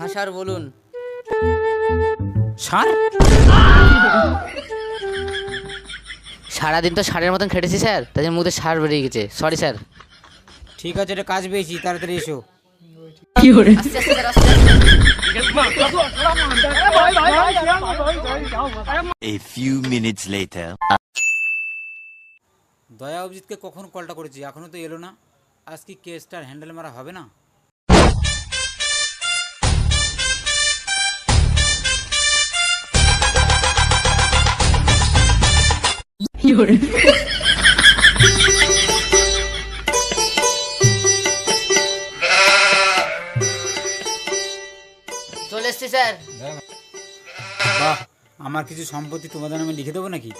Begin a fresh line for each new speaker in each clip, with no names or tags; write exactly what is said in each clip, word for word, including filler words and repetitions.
Sir বলুন।
সার?
সারাদিন তো সারের মতন খেটেছি স্যার, তাদের মধ্যে সার বেরিয়ে গেছে, সরি স্যার।
ঠিক আছে, এটা কাজ পেয়েছি, তাড়াতাড়ি এসো।
আস্তে আস্তে স্যার, আস্তে আস্তে।
A few minutes later.
দয়া অভিজিৎকে কখন কলটা করেছি, এখনো তো এলো না। আজ কি কেসটার হ্যান্ডেল মারা হবে না?
চলে এসছি স্যার।
বাহ, আমার কিছু সম্পত্তি তোমাদের নামে লিখে দেবো নাকি?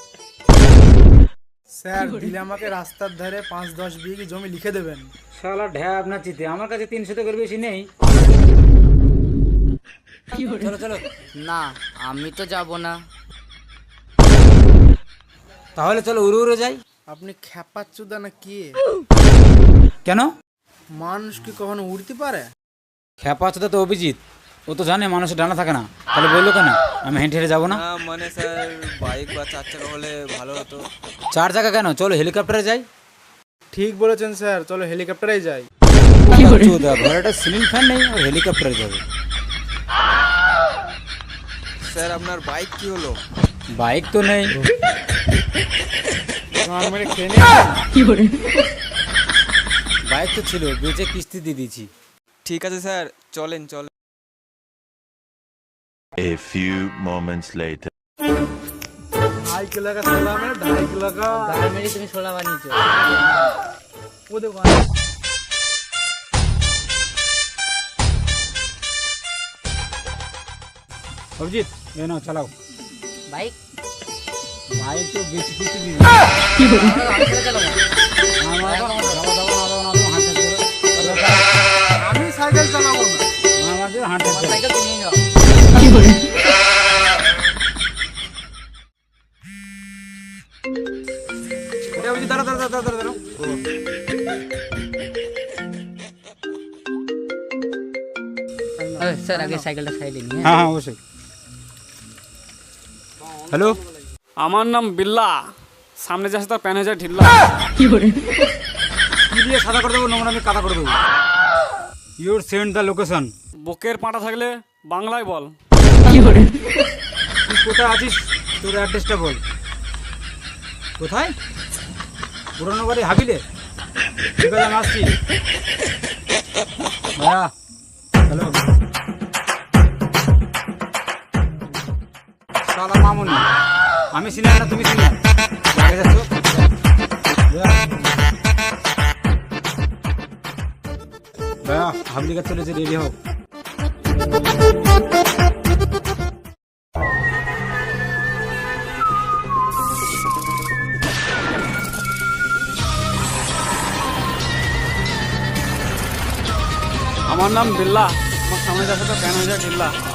স্যার দিলে আমাকে রাস্তার ধারে পাঁচ দশ বিঘি জমি লিখে দেবেন।
শালা ঢ্যাব না চিতে, আমার কাছে তিনশো টাকার বেশি নেই। চলো চলো।
না, আমি তো যাব না।
তাহলে চলো উড়ে উড়ে যাই।
আপনি খ্যাপাচ্চুদা না কি?
কেন?
মানুষ কি কখনো উড়তে পারে?
খেপা আছে তো অভিজিৎ, ও তো জানে মানুষের ডানা থাকে না, তাহলে বললো কেন আমি হেঁটে হেঁটে যাবো না?
না মানে স্যার বাইক বা চার চাকা হলে ভালো হতো।
চার চাকা কেন, চলো হেলিকপ্টারে যাই।
ঠিক বলেছেন স্যার, চলো হেলিকপ্টারেই যাই।
চোদা, ঘরে একটা সিলিং ফ্যান নেই আর হেলিকপ্টারে যাবে?
স্যার আপনার বাইক কি হলো?
বাইক তো নেই।
গান মেরে খেয়ে নিয়েছেন?
বাইক তো ছিল, বেচে কিস্তি দিয়ে দিয়েছি।
ঠিক আছে স্যার, চলেন চলেন।
A few moments later.
ढाई किलो का सोला में ढाई किलो का
গান মেরে তুমি সোলা বানিয়েছো।
वो देखो।
অভিজিৎ, এ নাও চালাও।
বাইক
বাইক তো বেশি কিস্তি দিয়ে
আমি ছেড়ে চালাবো।
আমি সাইকেল চালাবো না।
আমাদের হাঁটে
আমার সাইকেল তুমি নিয়ে যাও।
অভিজিৎ, দাঁড়া দাঁড়া দাঁড়া দাঁড়া।
এই, স্যার আগে সাইকেলটা সাইডে নিয়ে।
হ্যাঁ হ্যাঁ অবশ্যই। হ্যালো,
আমার নাম বিল্লা, সামনে যাচ্ছে তার প্যান হয়ে যায় ঢিল্লা।
কি দিয়ে সাদা করে দেবো, নোংরা আমি কাদা করে দেবো। Your send the location.
বুকের পাটা থাকলে বাংলায় বল।
তুই কোথায় আছিস, তোর অ্যাড্রেসটা বল। কোথায়? পুরনো বাড়ি হাবিলে। ঠিক আছে, আমি আসছি। ভাইয়া, হ্যালো। সালা মামুনি, আমি সিনিয়র না তুমি সিনিয়র? আগে যাচ্ছ? ভাইয়া, হাবলি গাছ চলেছে, রেডি হোক।
আমার নাম বিল্লা, আমার সামনে যাচ্ছে তার প্যান হয়ে যায় ঢিল্লা।